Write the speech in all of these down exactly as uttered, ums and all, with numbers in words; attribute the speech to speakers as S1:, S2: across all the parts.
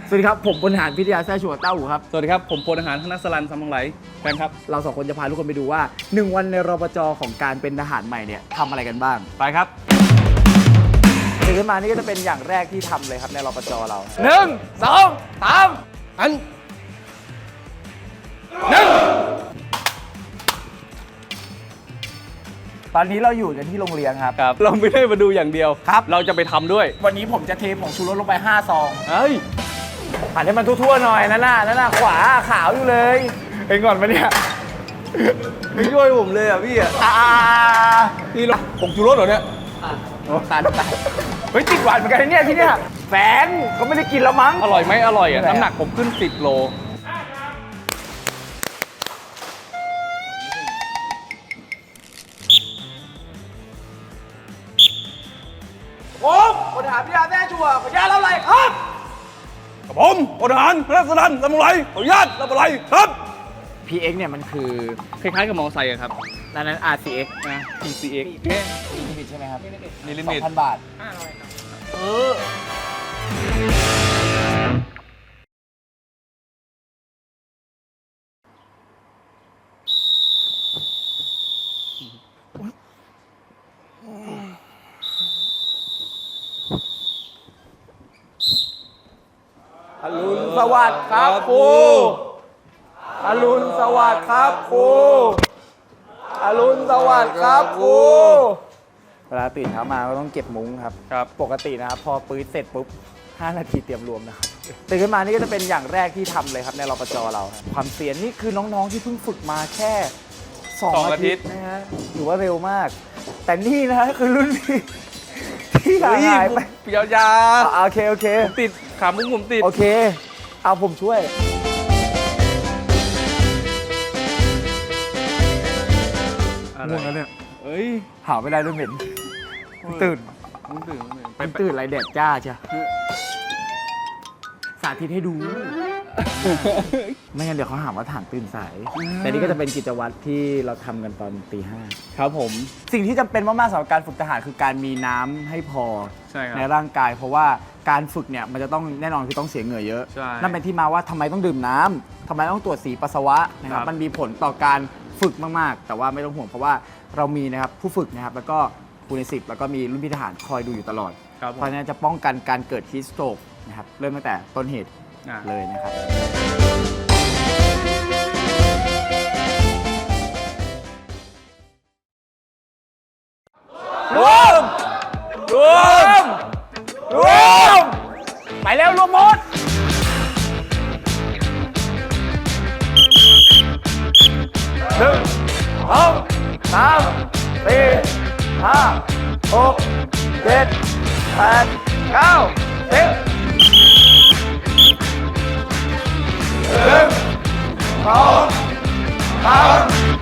S1: สวัสดีครับผมพลทหารพิทยาแท้ชัวเต้าหูครับ
S2: สวัสดีครับผมพลทหารธนสรันซัมมังไหลแฟนครับ
S1: เราสองคนจะพาทุกคนไปดูว่าหนึ่งวันในรปภของการเป็นทหารใหม่เนี่ยทำอะไรกันบ้าง
S2: ไปครับ
S1: ตื่นขึ้นมานี่ก็จะเป็นอย่างแรกที่ทำเลยครับในรปภเราหนึ่งสองสาม
S2: อันหนึ่ง
S1: ตอนนี้เราอยู่กันที่โรงเรียนครับ
S2: ครับเราไม่ได้มาดูอย่างเดียว
S1: ครับ
S2: เราจะไปทำด้วย
S1: วันนี้ผมจะเทผงชูรสลงไปห้าซอง
S2: เฮ้ย
S1: หันให้มันทั่วๆหน่อยนั่นน่ะนั่นน่ะขวาขาวอยู่เลยเองก่อนมาเนี่ย
S2: ไม่ช่วยผมเลยอ่ะพี่อ่ะนี่เราผงชูรสเหรอเนี่ย
S1: โอ้ตายตายเฮ้ยติดหวานเหมือนกันเนี่ยที่เนี่ยแฟนเขาไม่ได้กินแล้วมั้ง
S2: อร่อยไหมอร่อยอ่ะน้ำหนักผมขึ้นสิบโล
S1: ผมพลทหารพิทยาแท้ชัวขออนุญาตเล่าอะไรครับ
S2: กับผมพลทหารธนสรันซัมมังไหลขออนุญาตรับอะไรครับ
S1: พี เอ็กซ์ เนี่ยมันคือ
S2: คล้ายๆกับมอเตอร์ไซค์ครับ
S1: นั่นนั้น อาร์ ซี เอ็กซ์
S2: นะ ที ซี เอ็กซ์ เนี่ย
S1: มีลิมิตใช่ไหมครับ
S2: มีลิมิต
S1: สองพัน บาทเอออรุณสวัสดิ์ครับครูอรุณสวัสดิ์ครับครูอรุณสวัสดิ์ครับครูเวลาตื่นเช้ามาก็ต้องเก็บมุ้งครับ
S2: ครับ
S1: ปกตินะครับพอปื๊ดเสร็จปุ๊บห้านาทีเตรียมรวมนะครับตื่นขึ้นมานี่ก็จะเป็นอย่างแรกที่ทำเลยครับในรปภเราความเสียนนี่คือน้องๆที่เพิ่งฝึกมาแค่สองอาทิตย์นะฮะถือว่าเร็วมากแต่นี่นะคือรุ่นพี่ที่หายไป
S2: ยาวๆ
S1: โอเคโอเค
S2: ติดขามุ้งผมติด
S1: โอเคเอาผมช่วยง่วงแล้วเนี่ย
S2: เอ้ย
S1: หาไม่ได้ด้วยเหม็นตื่น
S2: ตื่น
S1: ไปตื่นอะไรแดดจ้าใช่สาธิตให้ดูไม่งั้นเดี๋ยวเขาหาว่าถางตื่นสายแต่นี่ก็จะเป็นกิจวัตรที่เราทำกันตอนตีห้า
S2: ครับผม
S1: สิ่งที่จำเป็นมากๆสำหรับการฝึกทหารคือการมีน้ำให้พอ
S2: ใช่ครับ
S1: ในร่างกายเพราะว่าการฝึกเนี่ยมันจะต้องแน่นอนคือต้องเสียเหงื่อเยอะนั่นเป็นที่มาว่าทำไมต้องดื่มน้ำทำไมต้องตรวจสีปัสสาวะนะครับมันมีผลต่อการฝึกมากๆแต่ว่าไม่ต้องห่วงเพราะว่าเรามีนะครับผู้ฝึกนะครับแล้วก็ครูในสิบแล้วก็มีรุ่นพี่ทหารคอยดูอยู่ตลอดเพราะฉะนั้นจะป้องกันการเกิดฮีสโตรกนะครับเริ่มตั้งแต่ต้นเหตุเลยนะครับรวมรวมรวมไปแล้วรวมหมดหนึ่งสองสามสี่ห้าหกเจ็ดแปดเก้าสิบหนึ่งสองสาม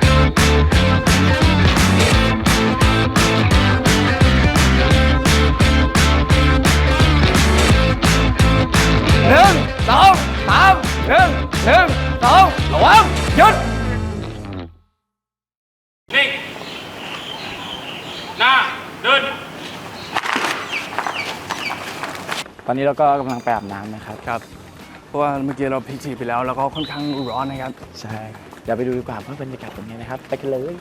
S1: หนึ่งสองสามหนึ่งหนึ่งสองระวังหยุด
S3: นิ่งหน้าเดิน
S1: ตอนนี้เราก็กำลังไปอาบน้ำนะครับ
S2: ครับเพราะว่าเมื่อกี้เราพิจิตรไปแล้วแล้วก็ค่อนข้างร้อนนะครับ
S1: ใช่เดี๋ยวไปดูดีกว่าว่าบรรยากาศเป็นไงนะครับไปกันเลย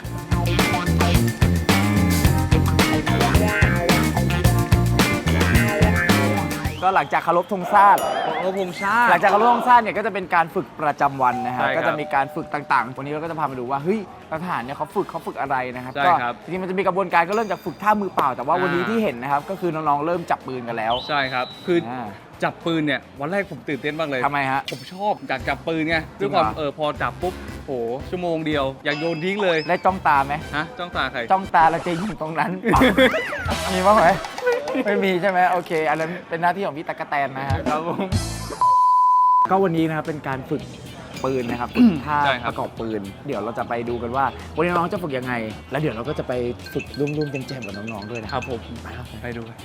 S1: ก็หลังจากเคารพธงชาติ
S2: เคารพธงชาติ
S1: หลังจากเคารพธงชาติเนี่ยก็จะเป็นการฝึกประจำวันนะฮะก็จะมีการฝึกต่างๆวันนี้เราก็จะพามาดูว่าเฮ้ยทหารเนี่ยเขาฝึกเขาฝึกอะไรนะครับก็จริงๆมันจะมีกระบวนการก็เริ่มจากฝึกท่ามือเปล่าแต่ว่าวันนี้ที่เห็นนะครับก็คือน้องๆเริ่มจับปืนกันแล้ว
S2: ใช่ครับคือจับปืนเนี่ยวันแรกผมตื่นเต้นมากเลย
S1: ทำไมฮะ
S2: ผมชอบอยากจับปืนไงด้วยความเออพอจับปุ๊บโหชั่วโมงเดียวอยากโยนทิ้งเลย
S1: ได้จ้องตาไหม
S2: ฮะจ้องตาใคร
S1: จ้องตาเราจะยิงตรงนั้นมีบ้างไหมไม่มีใช่ไหมโอเคอันนั้นเป็นหน้าที่ของพี่ตะกะแตนนะฮะ
S2: ครับผม
S1: ก็วันนี้นะครับเป็นการฝึกปืนนะครับฝึกท่าประกอบปืนเดี๋ยวเราจะไปดูกันว่าวันนี้น้องจะฝึกยังไงแล้วเดี๋ยวเราก็จะไปฝึกร่วมๆกันแจมกับน้องๆด้วยนะครับ
S2: ผมไปครับไปดูกัน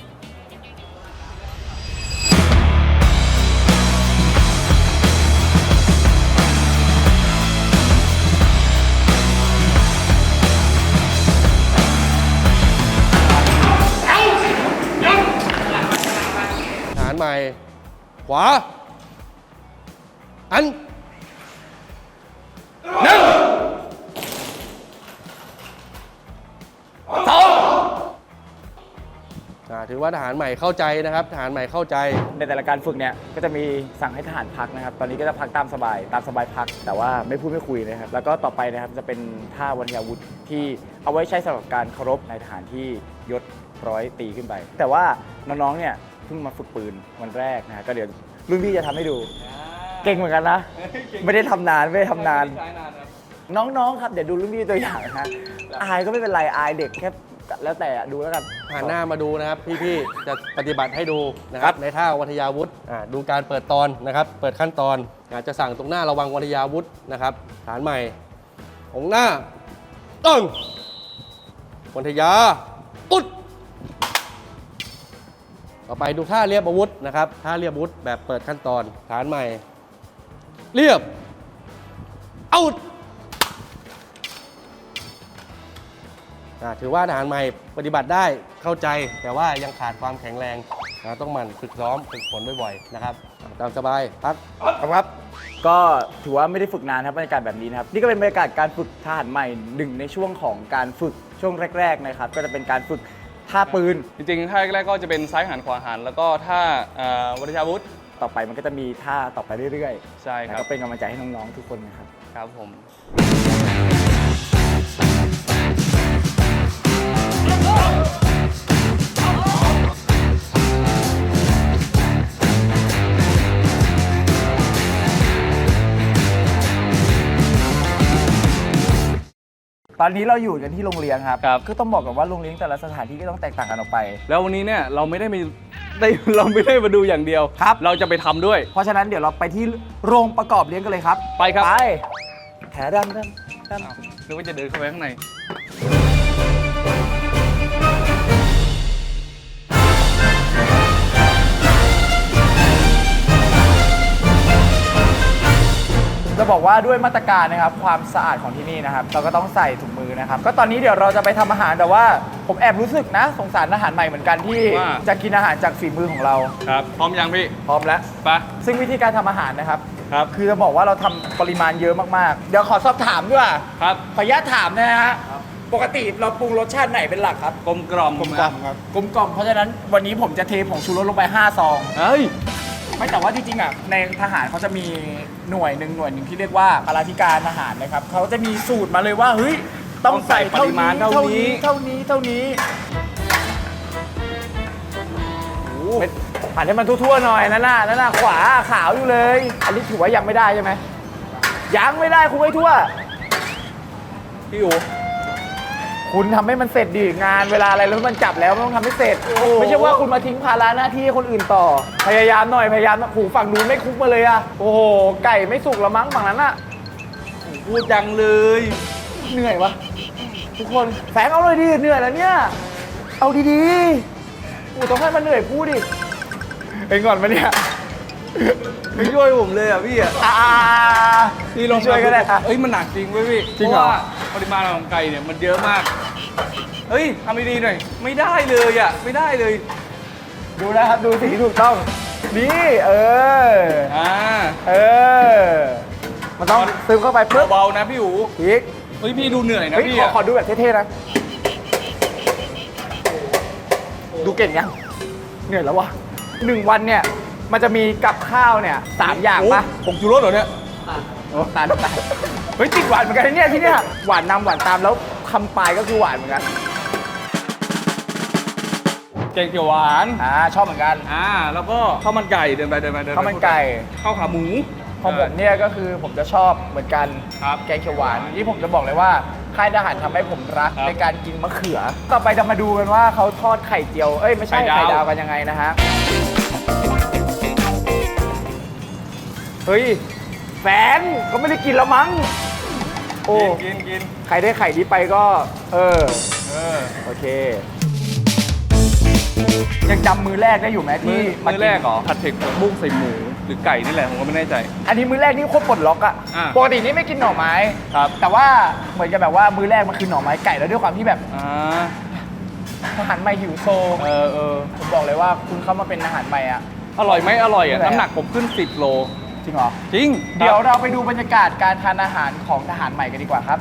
S4: ใหม่ขวา
S2: อันหนึ่งสองอ่าถือว่าทหารใหม่เข้าใจนะครับทหารใหม่เข้าใจ
S1: ในแต่ละการฝึกเนี่ยก็จะมีสั่งให้ทหารพักนะครับตอนนี้ก็จะพักตามสบายตามสบายพักแต่ว่าไม่พูดไม่คุยนะครับแล้วก็ต่อไปนะครับจะเป็นท่าวัญญาวุธที่เอาไว้ใช้สำหรับการเคารพในทหารที่ยศร้อยตีขึ้นไปแต่ว่าน้องๆเนี่ยเพิ่งมาฝึกปืนวันแรกนะฮะก็เดี๋ยวรุ่นพี่จะทำให้ดูเก่งเหมือนกันนะไม่ได้ทำนานไม่ได้ทำนานน้องๆครับเดี๋ยวดูรุ่นพี่ตัวอย่างนะฮะอายก็ไม่เป็นไรอายเด็กแค่แล้วแต่ดูแล้วกัน
S2: หันหน้ามาดูนะครับพี่ๆจะปฏิบัติให้ดูนะครับในท่าวัทยาวุธอ่าดูการเปิดตอนนะครับเปิดขั้นตอนอาจจะสั่งตรงหน้าระวังวัทยาวุธนะครับฐานใหม่องหน้าตึ้งวัทยาตุ๊ดต่อไปดูท่าเรียบอาวุธนะครับท่าเรียบอาวุธแบบเปิดขั้นตอนฐานใหม่เรียบเอาถือว่าทหารใหม่ปฏิบัติได้เข้าใจแต่ว่ายังขาดความแข็งแรงนะต้องหมั่นฝึกซ้อมฝึกฝนบ่อยๆนะครับตามสบายพักครับ
S1: ก็ถือว่าไม่ได้ฝึกนานครับบรรยากาศแบบนี้นะครับนี่ก็เป็นบรรยากาศการฝึกทหารใหม่หนึ่งในช่วงของการฝึกช่วงแรกๆนะครับก็จะเป็นการฝึกท่าปืน
S3: จริงๆท่าแรกๆก็จะเป็นซ้ายหันขวาหันแล้วก็ท่าวัทยาวุธ
S1: ต่อไปมันก็จะมีท่าต่อไปเรื่อย
S3: ๆใช่ครับ
S1: ก็เป็นกำลังใจให้น้องๆทุกคนนะครับ
S3: ครับผม
S1: ตอนนี้เราอยู่กันที่โรงเรียนครับก็ต้องบอกกันว่าโรงเรียนแต่ละสถานที่ก็ต้องแตกต่างกันออกไป
S3: แล้ววันนี้เนี่ยเราไม่ได้มีได้เราไม่ได้มาดูอย่างเดียว
S1: ครับ
S3: เราจะไปทำด้วย
S1: เพราะฉะนั้นเดี๋ยวเราไปที่โรงประกอบเลี้ยงกันเลยครับ
S3: ไปครับ
S1: ไปแถดำดำด
S3: ำนึกว่าจะเดินเข้าไปข้างใน
S1: จะบอกว่าด้วยมาตรการนะครับความสะอาดของที่นี่นะครับเราก็ต้องใส่ถุงมือนะครับก็ตอนนี้เดี๋ยวเราจะไปทำอาหารแต่ว่าผมแอบรู้สึกนะสงสารอาหารใหม่เหมือนกันที่จะกินอาหารจากฝีมือของเรา
S3: ครับพร้อมยังพี่
S1: พร้อมแล้ว
S3: ไป
S1: ซึ่งวิธีการทำอาหารนะครับ
S3: ครับ
S1: คือจะบอกว่าเราทำปริมาณเยอะมากๆเดี๋ยวขอสอบถามด้วย
S3: ครับ
S1: ขออนุญาตถามนะฮะปกติเราปรุงรสชาติไหนเป็นหลักครับ
S3: กลมกล่อม
S1: กลมกล่อมครับกลมกล่อมเพราะฉะนั้นวันนี้ผมจะเทผงชูรสลงไปห้าซอง
S3: เฮ้ย
S1: ไม่แต่ว่าจริงๆอ่ะในทหารเขาจะมีหน่วยหนึ่งหน่วยหนึ่งที่เรียกว่าปราธิการทหารนะครับเขาจะมีสูตรมาเลยว่าเฮ้ยต้องใส่ปริมาณเท่านี้เท่านี้เท่านี้ผ่านให้มันทั่วๆหน่อยนั่นน่ะนั่นน่ะขวาขาวอยู่เลยอันนี้ถือว่ายังไม่ได้ใช่ไหมยังไม่ได้คุณไว้ทั่ว
S3: พี่อู๋
S1: คุณทำให้มันเสร็จดิงานเวลาอะไรแล้วมันจับแล้วมันต้องทำให้เสร็จไม่ใช่ว่าคุณมาทิ้งภาระหน้าที่ให้คนอื่นต่อพยายามหน่อยพยายามหูฝั่งนู้นไม่คุกมาเลยอะโอ้โหไก่ไม่สุกละมั้งฝั่งนั้นอะ
S3: พูดจังเลย
S1: เหนื่อยวะทุกคนแฝงเอาเลยดิเหนื่อยแล้วเนี่ยเอาดีๆกูต้องให้มันเหนื่อยพูดดิเองก่อนมาเนี่ย
S3: ไม่ช่วยผมเลยอ่ะพี่อ่ะ
S1: พี่ลองช่วยก็ได้
S3: เอ้ยมันหนักจริงเว้ยพี่
S1: จริงเหรอ
S3: ปริมาณของไก่เนี่ยมันเยอะมากเฮ้ยทำดีๆหน่อยไม่ได้เลยอ่ะไม่ได้เลย
S1: ดูนะครับดูสีถูกต้องนี่เออ
S3: อ่า
S1: เออมันต้องซึมเข้าไป
S3: เบาๆนะพี่อู๋
S1: อีก
S3: เฮ้ยพี่ดูเหนื่อยนะพี่
S1: ขอขอดูแบบเท่ๆนะดูเก่งยังเหนื่อยแล้ววะหนึ่งวันเนี่ยมันจะมีกับข้าวเนี่ยสามอย่างปะ
S3: ผงชูรสเหรอเนี่ย
S1: โอ้ตาลตาลเฮ้ยติดหวานเหมือนกันเนี่ยที่เนี่ยหวานนำหวานตามแล้วคำปลายก็คือหวานเหมือนกัน
S3: แกงเขียวหวาน
S1: อ่าชอบเหมือนกัน
S3: อ่าแล้วก็ข้าวมันไก่เดินไปเดินไปเดิน
S1: ข้าวมันไก่
S3: ข้าวขาหมู
S1: ของผมเนี่ยก็คือผมจะชอบเหมือนกันแกงเขียวหวานที่ผมจะบอกเลยว่าค่ายทหารทำให้ผมรักในการกินมะเขือต่อไปจะมาดูกันว่าเขาทอดไข่เจียวเอ้ยไม่ใช่ไข่ดาวกันยังไงนะฮะเฮ้ยแฟนเขาไม่ได้กินแล้วมั้งโอ้
S3: กินกิน
S1: ใครได้ไข่นี้ไปก็เออ
S3: เออ
S1: โอเคยังจำมือแรกได้อยู่ไหมที่
S3: มือแรกเหรอผัดเผ็ดบุ้งใส่หมูหรือไก่นี่แหละผมก็ไม่แน่ใจ
S1: อันนี้มือแรกนี่โคตรปลดล็อกอะปกตินี่ไม่กินหน่อไม้
S3: ครับ
S1: แต่ว่าเหมือนกับแบบว่ามือแรกมันคือหน่อไม้ไก่แล้วด้วยความที่แบบทหารใหม่หิวโซ
S3: เออเออ
S1: ผมบอกเลยว่าคุณเข้ามาเป็นทหารใหม่อะ
S3: อร่อยไหมอร่อยอะน้ำหนักผมขึ้นสิบโล
S1: จริงเหรอ
S3: จริง
S1: เดี๋ยวเราไปดูบรรยากาศการทานอาหารของทหารใหม่กันดีกว่าครับ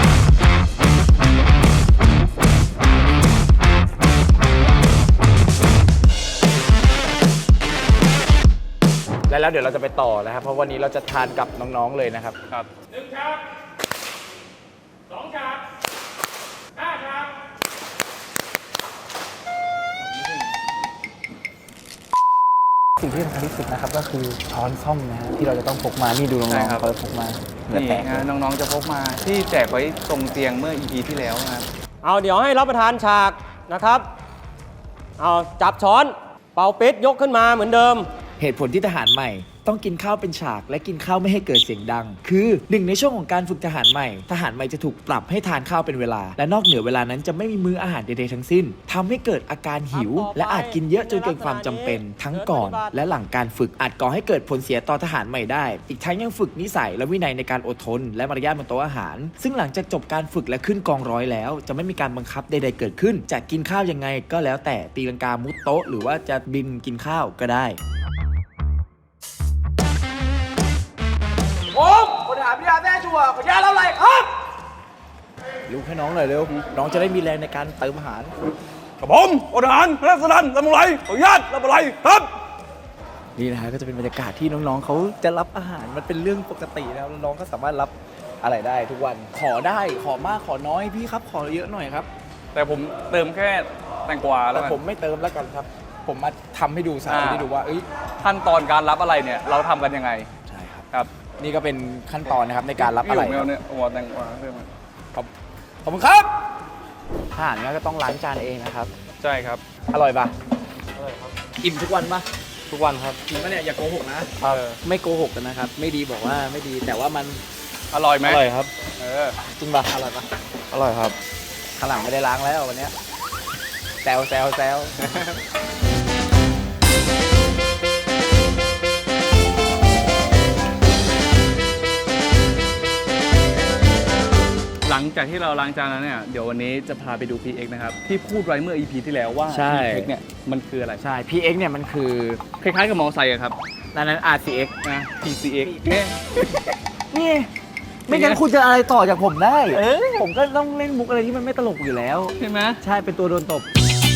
S1: และแล้วเดี๋ยวเราจะไปต่อนะครับ เพราะวันนี้เราจะทานกับน้องๆเลยนะครับ
S3: ครับหนึ่งครับสองครับห้าครับ
S1: สิ่งที่สำคัญที่สุดนะครับก็คือช้อนส้อมนะฮะที่เราจะต้องพกมา นี่ดูน้องๆเขาพกมาเหงื่อ
S3: นี่
S1: แตก
S3: นะน้องๆจะพกมาที่แจกไว้ตรงเตียงเมื่อ อี พี ที่แล้วนะครับ
S2: เอาเดี๋ยวให้รับประทานฉากนะครับ เอาจับช้อน เป่าปิดยกขึ้นมาเหมือนเดิม
S1: เหตุผลที่ทหารใหม่ต้องกินข้าวเป็นฉากและกินข้าวไม่ให้เกิดเสียงดัง คือหนึ่งในช่วงของการฝึกทหารใหม่ ทหารใหม่จะถูกปรับให้ทานข้าวเป็นเวลา และนอกเหนือเวลานั้นจะไม่มีมื้ออาหารใดๆทั้งสิ้นทำให้เกิดอาการหิว และอาจกินเยอะจนเกินความจำเป็น ทั้งก่อน และหลังการฝึกอาจก่อให้เกิดผลเสียต่อทหารใหม่ได้ อีกทั้งยังฝึกนิสัยและวินัยในการอดทน และมารยาทบนโต๊ะอาหาร ซึ่งหลังจากจบการฝึกและขึ้นกองร้อยแล้ว จะไม่มีการบังคับใดๆเกิดขึ้นจะกินข้าวยังไงก็แล้วแต่ตีลังกามุดโต๊ะหรือว่าจะบินกินข้าวก็ได้โอ้คนถามพี่ดาแม่ชัวขอยาแล้วอะไรครับลุกให้น้องหน่อยเร็ว น้องจะได้มีแรงในการเติมอาหาร
S3: กับผมพลทหารรัศดันลำไรขออนุญาตรับอะไรครับ
S1: นี่นะฮะก็จะเป็นบรรยากาศที่น้องๆเขาจะรับอาหารมันเป็นเรื่องปกติแล้วน้องๆก็สามารถรับอะไรได้ทุกวัน ขอได้ขอมากขอน้อยพี่ครับขอเยอะหน่อยครับ
S3: แต่ผมเติมแค่แตงกวาแล้
S1: แต่
S3: วกัน
S1: ผมไม่เติมแล้วกันครับ ผมมาทำให้ดูสาธิตให้ดูว่าเอ้ย
S3: ขั้นตอนการรับอะไรเนี่ยเราทำกันยังไง
S1: ใช่ครับ
S3: ครับ
S1: นี่ก็เป็นขั้นตอนนะครับในการรับอะไร
S3: พี่หยกแมวเนี่ยโอ้โหแตงกวาเพิ่มมา
S1: ขอบขอบคุณครับทหารก็ต้องล้างจานเองนะครับ
S3: ใช่ครับ
S1: อร่อยปะอร่อยครับอิ่มทุกวันปะ
S2: ทุกวันครับ
S1: จริงปะเนี่ยอย่าโกหกนะ
S3: เออ
S1: ไม่โกหกกันนะครับ ไม่ดีบอกว่าไม่ดีแต่ว่ามัน
S3: อร่อยไหม
S2: อร่อยครับ
S3: เออ
S1: จริงปะอร่อยปะ
S2: อร่อยครับ
S1: ข้างหลังไม่ได้ล้างแล้ววันเนี้ยแซวแซวแซว
S3: หลังจากที่เราล้างจานแล้วเนี่ยเดี๋ยววันนี้จะพาไปดู พี เอ็กซ์ นะครับที่พูดไว้เมื่อ อี พี ที่แล้วว่า
S1: ใช่
S3: พี เอ็กซ์ เนี่ยมันคืออะไร
S1: ใช่ พี เอ็กซ์ เนี่ยมันคือ
S3: คล้ายๆกับมอเตอร์ไซค์อะครับ
S1: นั่นนั้น อาร์ ซี เอ็กซ์
S3: นะ พี ซี เอ็กซ์ เนี่ย
S1: นี่ ไม่งั้นคุณจะอะไรต่อจากผมได้ เออผมก็ต้องเล่นมุกอะไรที่มันไม่ตลกอยู่แล้ว
S3: ใช่ไหม
S1: ใช่เป็นตัวโดนตบ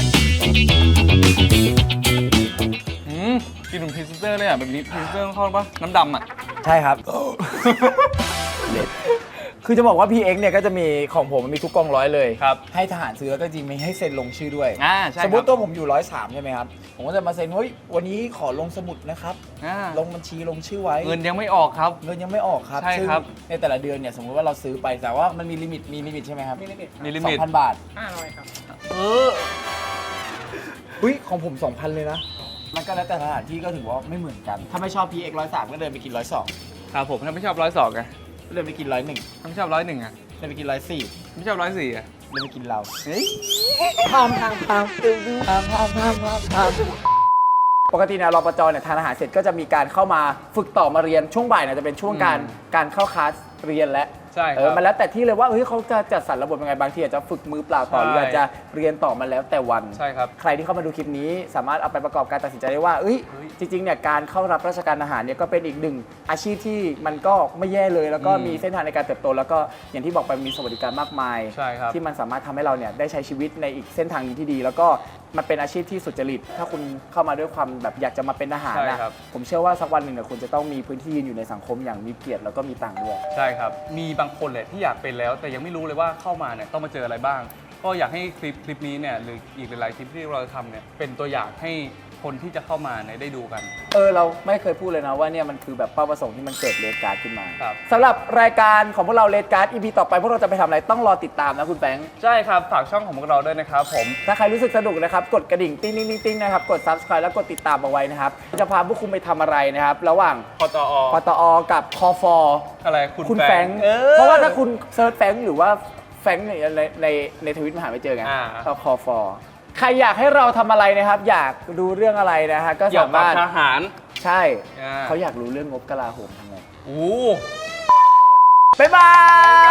S3: อืมกินเหมือนพรีเซนเตอร์เลยอ่ะแบบนี้พรีเซนเตอร์เข้าปะน้ำดำอ่ะ
S1: ใช่ครับ เด็ดคือจะบอกว่า พี เอ็กซ์ เนี่ยก็จะมีของผมมันมีทุกกองร้อยเลย
S3: ครับ
S1: ให้ทหารซื้อแล้วก็จริงมีให้เซ็นลงชื่อด้วย
S3: อ่าใช่
S1: สมม
S3: ครั
S1: ติ
S3: บ
S1: ตัวผมอยู่ร้อยสามใช่ไหมครับ ผมก็จะมาเซ็นเฮ้ยวันนี้ขอลงสมุดนะครับ
S3: อ่า
S1: ลงบัญชีลงชื่อไว้
S3: เงินยังไม่ออกครับ
S1: เงินยังไม่ออกครับ
S3: ใช่
S1: ซึ่ง
S3: ครับ
S1: ในแต่ละเดือนเนี่ยสมมุติว่าเราซื้อไปแต่ว่ามันมีลิมิตมีลิมิตใช่ไหมครับมีลิมิต
S3: มีลิ
S1: สอ
S3: มิต
S1: งพันบาท
S3: เออ
S1: อุ้ยของผมสองพันเลยนะ มันก็แล้วแต่สถานที่ก็ถือว่าไม่เหมือนกัน ถ้าไม่ชอบ พี เอ็กซ์ ร้อยสามก็เดินไปกินร้อยสอง
S3: ครับผมถ้าไม่ชอบร้อยสองไง
S1: เดินไปกินร้อยหนึ่ง
S3: ถ้าไม่ชอบร้อยหนึ่งอ่ะ
S1: เดินไปกินร้อยสี่
S3: ไม่ชอบร้อยสี่อ่ะ
S1: เดินไปกินเรา
S3: เฮ้ย
S1: พามพามพามดูดูพามพามพามพามพามปกติเนี่ยรปจเนี่ยทานอาหารเสร็จก็จะมีการเข้ามาฝึกต่อมาเรียนช่วงบ่ายเนี่ยจะเป็นช่วงการการเข้าคลาสเรียนและ
S3: ใช่ค
S1: เอ
S3: รั
S1: อบ มันแล้วแต่ที่เลยว่าเฮ้ยเขาจะจัดสรรระบบยังไงบางทีอาจจะฝึกมือเปล่าต่อหรือ
S3: ใช่
S1: อาจจะเรียนต่อมาแล้วแต่วัน
S3: ใช่ครับ
S1: ใครที่เข้ามาดูคลิปนี้สามารถเอาไปประกอบการตัดสินใจได้ว่าเอ้ย
S3: เฮ้ย
S1: จริงๆเนี่ยการเข้ารับราชการทหารเนี่ยก็เป็นอีกหนึ่งอาชีพที่มันก็ไม่แย่เลย แล้วก็
S3: อืม
S1: มีเส้นทางในการเติบโต แล้วก็อย่างที่บอกไปมีสวัสดิการมากมาย
S3: ใช่ครับ
S1: ที่มันสามารถทำให้เราเนี่ยได้ใช้ชีวิตในอีกเส้นทางนี้ที่ดี แล้วก็มันเป็นอาชีพที่สุจริต ถ้าคุณเข้ามาด้วยความแบบอยากจะมาเป็นทหาร
S3: ใช่
S1: นะครับ ผมเชื่อว่าสักวันหนึ่งเนี่ยคุณจะต้องมีพื้นที่ยืนอยู่ในสังคมอย่างมีเกียรติแล้วก็มีตังค์ด้วย
S3: ใช่ครับ มีบางคนแหละที่อยากเป็นแล้ว แต่ยังไม่รู้เลยว่าเข้ามาเนี่ยต้องมาเจออะไรบ้าง ก็อยากให้คลิปคลิปนี้เนี่ยหรืออีกหลายๆคลิปที่เราทำเนี่ยเป็นตัวอย่างให้คนที่จะเข้ามาเนี่ยได้ดูกัน
S1: เออเราไม่เคยพูดเลยนะว่าเนี่ยมันคือแบบเป้าประสงค์ที่มันเกิดเลดการ์ดขึ้นมา
S3: ครับ
S1: สำหรับรายการของพวกเราเลดการ์ด อี พี ต่อไปพวกเราจะไปทำอะไรต้องรอติดตามนะคุณแฟรงค์
S3: ใช่ครับ ฝากช่องของพวกเราด้วยนะครับผม
S1: ถ้าใครรู้สึกสนุกนะครับ กดกระดิ่งติ้งติ้งติ้งติ้งนะครับ กด ซับสไครบ์ แล้วกดติดตามเอาไว้นะครับ จะพาพวกคุณไปทำอะไรนะครับ ระหว่าง
S3: พตอ
S1: ปตอ กับคอฟอ
S3: อะไรคุณ
S1: คุณ
S3: แฟ
S1: แฟ
S3: ร
S1: รง ง
S3: ค์
S1: ค์
S3: เออ
S1: เพราะว่าถ้าคุณเซิร์ชแฟรงค์หรือว่าแฟรงค์ในในในในทวิตมันหาไม่เจอไง
S3: อ่า
S1: ก็คอฟอ ใครอยากให้เราทำอะไรนะครับ อยากดูเรื่องอะไรนะฮะก็
S3: เกี่ย
S1: สาว
S3: กับ
S1: มารถ
S3: ทหาร
S1: ใช่
S3: อ่า
S1: เขาอยากรู้เรื่องงบกลาโหมทำไง
S3: โอ้
S1: บ๊ายบาย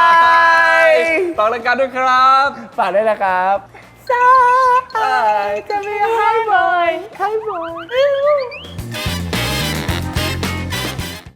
S3: ฝากรายการด้วยครับ
S1: ฝากด้วยนะครับสายจะมีให้บ่อยให้บ่อย